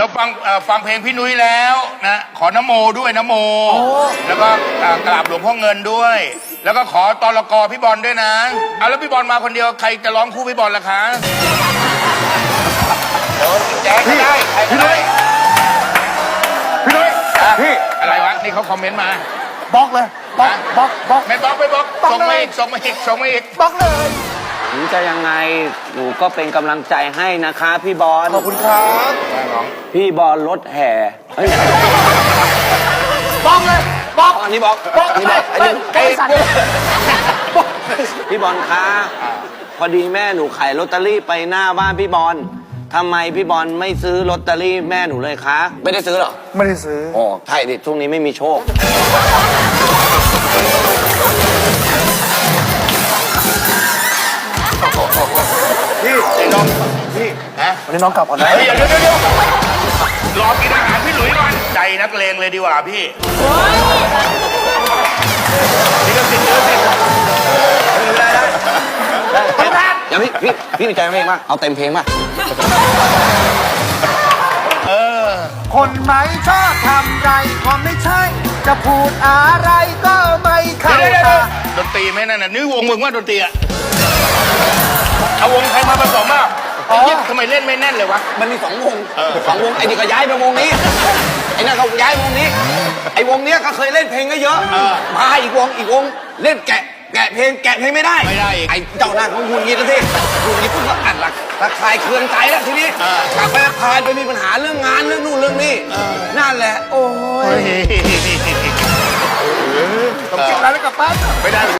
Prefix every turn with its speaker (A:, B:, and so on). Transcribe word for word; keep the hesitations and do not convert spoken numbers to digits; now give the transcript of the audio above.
A: ดี๋ยวฟังฟังเพลงพี่นุ้ยแล้วนะขอนโมด้วยนโมแล้วก็กราบหลวงพ่อเงินด้วย แล้วก็ขอตลกพี่บอลด้วยนะเอาแล้วพี่บอลมาคนเดียวใครจะร้องคู่พี่บอลล่ะคะเดี๋ยวแจ๊คก็ได้ใครก็ได้พี่นุ้ยพี่อะไรวะนี่เขาคอมเมนต์มา
B: บล็อกเลยบล็อกบล็อกบล็อก
A: ไม่บล็อกไม่บล็อกส่งมาอีกส่งมาอีกส่งมาอีก
B: บล็อกเลย
C: ถึงจะยังไงหนูก็เป็นกำลังใจให้นะคะพี่บอล
B: ขอบคุณครับ
C: พี่บอลรถแห่
B: บล็อกเลยบล็อก
C: อันนี้บล็อก
B: บล็อกไม่ไม่ไม่สั่น
C: พี่บอลคะพอดีแม่หนูขายลอตเตอรี่ไปหน้าบ้านพี่บอลทำไมพี่บอลไม่ซื้อลอตเตอรี่แม่หนูเลยคะไม่ได้ซื้อหรอ
B: ไม่ได้ซื้อ
C: อ๋อใช่ดิช่วงนี้ไม่มีโชค
A: พี่ไอ้น้องพี่นะ
B: วันนี้น้องกลับก่อนนะ
A: เฮ้ยเดี๋ยวเดี๋ยวเดี๋ยวรอกินอาหารพี่หลุยก่อนใจนักเลงเลยดีกว่าพี่นี่ก็สิเยอะสิ
C: ได้ได้ได้อย่าพี่พี่พี่มีใจเพลงป่ะเอาเต็มเพลงป่ะ
A: เออ
B: คนไหมชอบทำไรก็ไม่ใช่จะพูดอะไรก็ไม่เข้าตา
A: ดนตรีไม่นั่นน่ะนี่วงมึงว่าดนตรีอะเอาวงใครมาผสมอ่ะอ๋อทำไมเล่นไม่แน่นเลยวะ
C: มันมีสองวงสองวงไอ้นี่ก็ย้ายไปวงนี้ไอ้นั่นก็ย้ายวงนี้ไอ้วงเนี้ยก็เคยเล่นเพลงก็เยอะมาอีกวงอีกวงเล่นแกะแกะเพลงแกะเพลงไม่ได้
A: ไม่ได้
C: ไอ้เจ้าหน้าของคุณงี้แล้วที่คุณงี้คุณก็อัดหลักระคายเคืองใจแล้วทีนี้กลับไปพานไปมีปัญหาเรื่องงานเรื่องนู่นเรื่องนี้นั่นแหละโอ้ย
B: ต้องเก็บอะไรแล้วกลับบ้าน
A: ไม่ได้